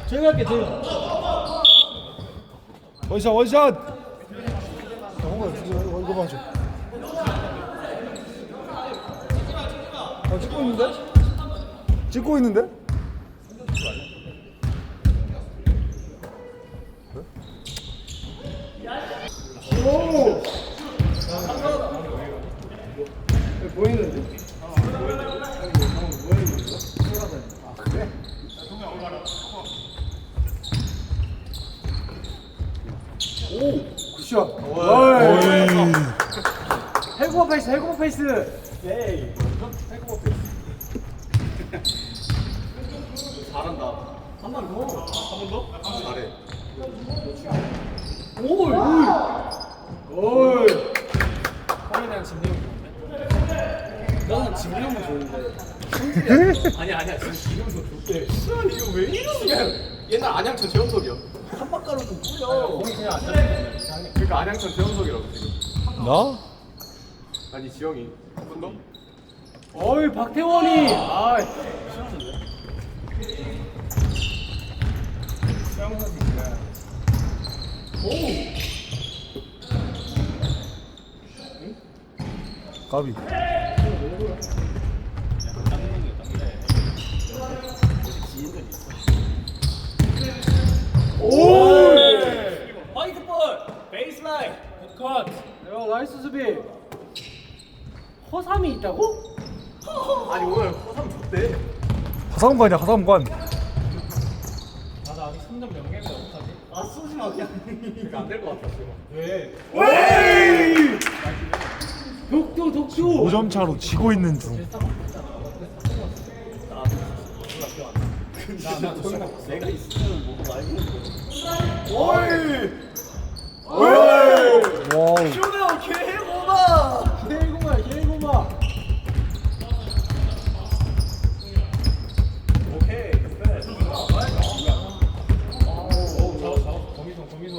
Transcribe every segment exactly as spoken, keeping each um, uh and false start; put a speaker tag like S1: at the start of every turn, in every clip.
S1: 조용히 할게 조용히.
S2: 원샷 원샷. 홍보 이거 이거 봐줘. 어 찍고 있는데? 찍고 있는데?
S1: 오. 보이는데? 오, 굿샷. 해고버 페이스, 해고버 페이스. 예이. 해고버 페이스. 잘한다. 한 번 더. 한 번 더? 잘해. 오이. 오이. 형에 대한 진정이 좋은데? 나는 진정은 좋은데. 아니 아니야 지금 지금도 좋대. 이거 왜 이러냐? 옛날 안양천 재현석이야. 한박가로 좀 뿌려. 거기 그냥 안양천 이상해. 그러니까 안양천 재현석이라고 지금.
S2: 나?
S1: 아니 지영이. 한 번 더? 어이 박태원이. 아 싫었는데. 수영 선수가. 오.
S2: 가비.
S1: 오! 화이트 볼! 베이스라인! 굿컷! 야 나이스 수비! 허삼이 있다고? 아니 오늘 허삼 좋대.
S2: 하상관이야 하상관.
S1: 아 나 아직 삼 점 명예인데 어떡하지? 아 쏘지 마 그냥. 그러니까 안 될 것 같아 지금. 왜? 왜? 독도 독도!
S2: 오 점 차로 지고 있는 중.
S1: 나나 내가 있으면 뭐가 말고.
S2: 와우.
S1: 쇼네오 개고마! 개고마 개고마! 오케이 그래. 오 잡았어 잡았어 거미손 거미손.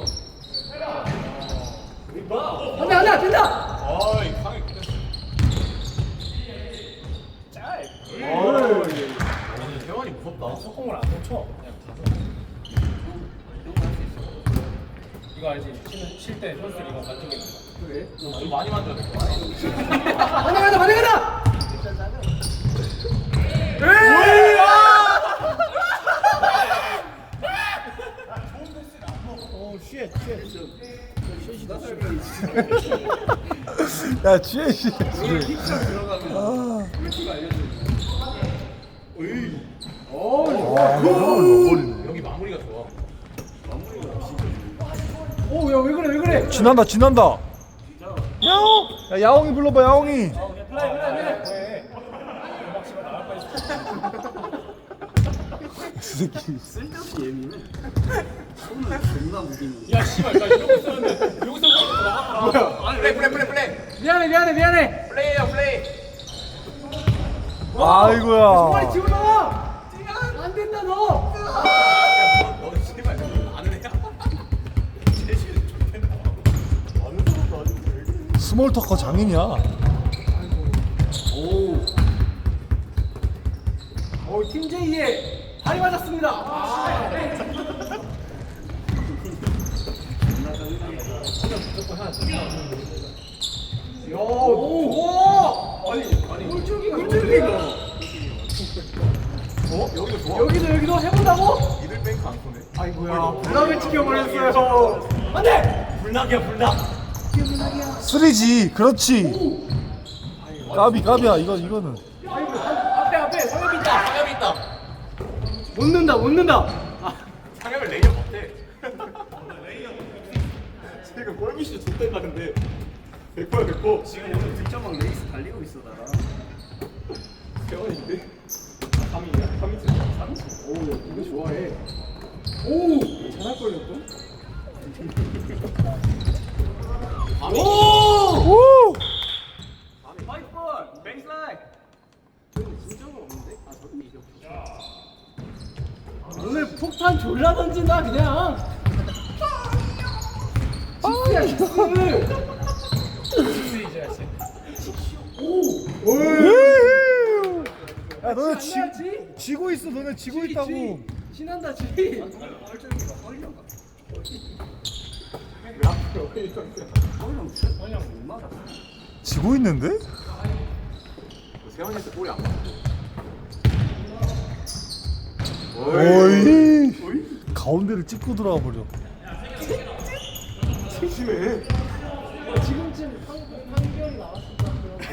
S1: 안돼 안돼 된다! 어이 강이 끝냈어. 짤! 어이 태원이 무섭다. 속공을 안 쳐. 그냥 가서. 이거 알지? 쉴때 선수 이거 만족이 있는 거. 그래? 좀 많이 만져야 될 거 같아. 반대 간다 반대 간다! 에이! 오 쉣, 쉣.
S2: 야 지혜 씨.
S1: 힙샷 들어가면 꿀팁 알려줘. 으이. 오,
S2: 와 이걸 넣어버리네.
S1: 여기 마무리가 좋아. 마무리가 진짜 좋아. 오, 야 왜 그래 왜 그래?
S2: 지난다 지난다. 야옹. 야 야옹이 불러봐 야옹이.
S1: 플레이 플레이 플레이. 음악 씨발 나갈 뻔했어.
S2: 그 새끼.
S3: 쓸데없이 예민해. 손을 존나 무기네.
S1: 야 씨발 나 이러고 있었는데 여기서 나갔더라. 뭐야? 플레이 플레이 플레이 플레이. 미안해 미안해 미안해. 플레이야 플레이.
S2: 아이고야.
S1: 빨리 집어넣어. 안 된다 너. 너 씨발 아는 애야? 제시는 좋겠다. 아는 사람도 아닌데.
S2: 스몰 터커 장인이야.
S1: 오. 오, 팀 제이의 발이 맞았습니다. 아. 야, 오, 오. 아니, 아니. 꿀줄기가 꿀줄기가. 어? 여기도 좋아. 여기도 여기도 해본다고? 이들 뱅크 안 쏘네. 아이고야. 불나게 찍혀버렸어요. 안돼. 불나기야 불나.
S2: 쓰리지 그렇지. 까비 까비야 이거 이거는.
S1: 아이고 앞에 앞에 상엽이 있다. 상엽이 있다. 못 넣는다 못 넣는다. 아, 상엽을 레이어 못해. 지금 골미슈 좋댄다 근데. 백 퍼센트 백 퍼센트.
S3: 지금 오늘 득점왕 레이스 달리고 있어 나랑.
S1: 세원인데? 삼이야? 삼이지? 삼이지? 오, 이거 좋아해. 오! 잘할 걸렸고? 오!
S2: 오.
S1: 화이트볼! 베이스라인! 진정은 없는데? 아, 저기 이겨. 오늘 폭탄 졸라 던진다, 그냥! 키스야, 키스! 키스 이제 하시. 오!
S2: 야 너네 지,
S1: 장난치?
S2: 지고 있어 너네 지고
S1: 지,
S2: 있다고.
S1: 지. 신난다 지.
S3: 뻘쭘이가 뻘려가.
S1: 왜 앞으로
S3: 뻘령 뻘령 못 막아.
S2: 지고 있는데?
S1: 세원이한테 볼이 안 맞고.
S2: 어이. 가운데를 찍고 들어가 버려.
S1: 심심해. 지금쯤 판결이 나왔을까?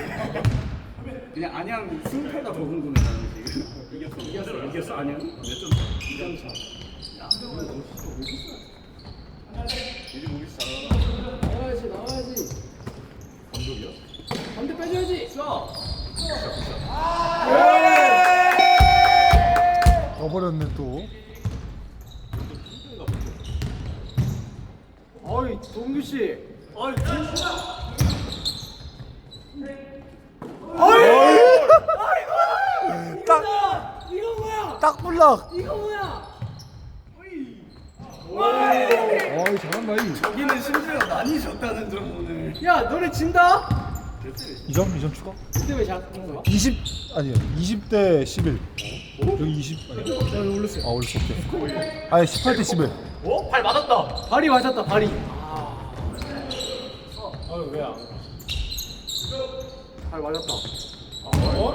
S3: 그냥 안양 승패가 더 궁금해 나는 지금. 이겼어 이겼어 이겼어 안양 몇 점? 이 점 차. 야 너무 진짜 모르겠어. 이제 모르겠어.
S1: 나와야지 나와야지.
S3: 감독이야?
S1: 반대 빼줘야지. 자.
S2: 떠버렸네 또.
S1: 어이 동규 씨. 어이
S2: 딱,
S1: 이거 뭐야?
S2: 딱 불락.
S1: 이거 뭐야?
S2: 어이 잘한다 이.
S3: 여기는 심지어 많이 졌다는 점 오늘.
S1: 야 너네 진다?
S2: 이 점, 이 점 추가?
S1: 그때 왜 잘한 거야?
S2: 이십 아니요 이십 대 십일. 여기 이십 아니.
S1: 나 이거 올렸어요.
S2: 아 올렸어 오케이. 아니 십팔 대 십일.
S1: 어? 발 맞았다. 발이 맞았다 발이. 아. 아유 왜야? 발 맞았다. 어?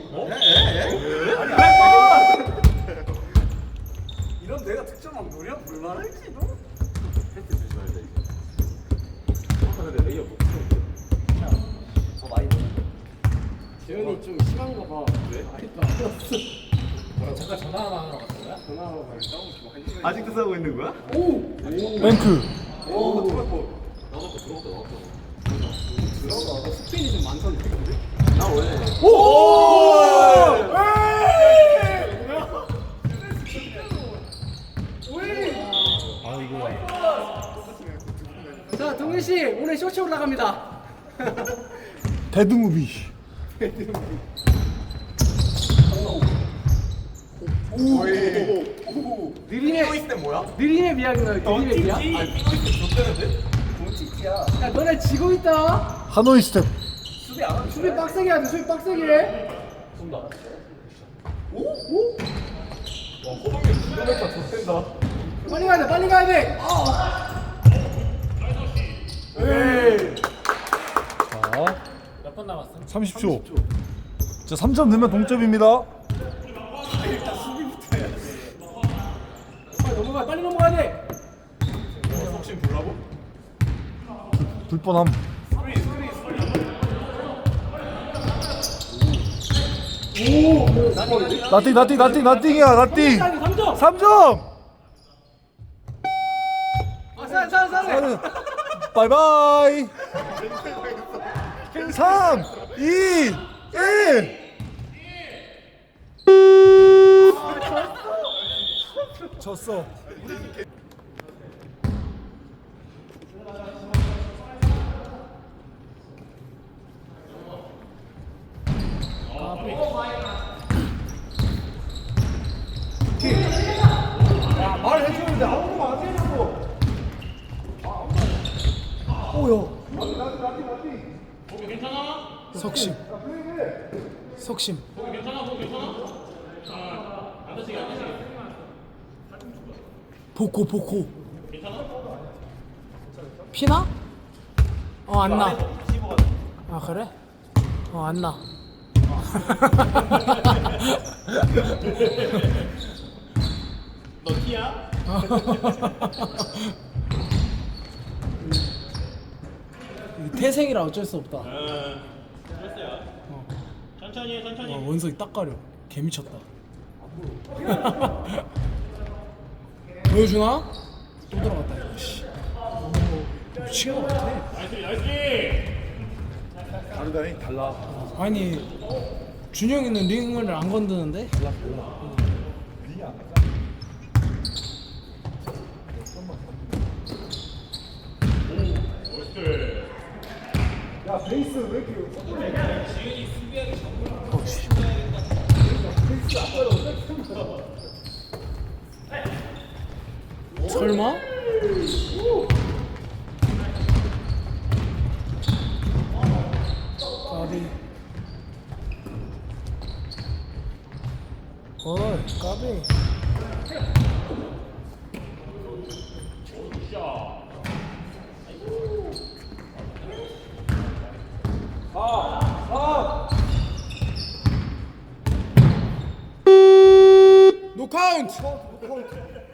S3: 이런 내가 득점왕 노려 볼만할지 너?
S1: 패스 조심해야 돼 이제. 아까 근데 레이어 못 쳐.
S3: 더 많이 넣어.
S1: 재현이 좀 심한 거 봐. 왜? 아직도 안 왔어. 뭐라 잠깐 전화 하나 하러 갔어 거야? 전화하러 가야 싸우고
S3: 아직도 싸우고 있는 거야?
S1: 오!
S2: 뱅크.
S3: 오, 들어갔고.
S1: 나갔다 들어갔다 나갔다. 들어가. 스피인이 좀 많던데.
S3: 나 원래.
S2: 오! 아이고.
S1: 자 동규 씨 오늘 쇼츠 올라갑니다.
S2: 데드무비.
S1: 느림의 느림의 미학인가요? 느림의 미학?
S3: 본치키야.
S1: 야 너네 지고 있다.
S2: 하노이 스텝.
S3: 수비 안 하면
S1: 수비 빡세게 하자. 수비 빡세게 해. 쏜다. 오? 오? 와 호동이 기다렸다 좋댄다. 빨리 가야 돼. 빨리 가야 돼. 아. 에이.
S2: 자,
S1: 몇 번 남았어?
S2: 삼십 초. 자, 삼 점 넣으면 동점입니다.
S1: 빨리 넘어가. 빨리 넘어가야 돼.
S3: 혹시 보라고?
S2: 불 뻔함.
S1: 오.
S2: 나띵, 나띵, 나띵, 나띵이야, 나띵.
S1: 삼 점.
S2: 삼 점.
S1: 아, 산, 산, 산.
S2: 바이바이. 삼, 이, 일. 졌어. 말해주는데 아무도 안 되냐고. 오요.
S1: 석심. 석심. 보코 보코. 피나? 어 안 나. 아 그래? 어 안 나. 너 티야? 태생이라 어쩔 수 없다. 어.
S4: 천천히 해, 천천히.
S1: 와, 원석이 딱 가려. 개 미쳤다. 보여주나? 또 들어갔다 이거. 씨. 오, 미친 것 같아.
S4: 나이스, 나이스.
S2: 다르다니 달라.
S1: 아니 준영이는 링을 안 건드는데?
S2: 야 베이스 왜 이렇게?
S1: 설마? 까비. 어이 까비.
S2: 노 카운트.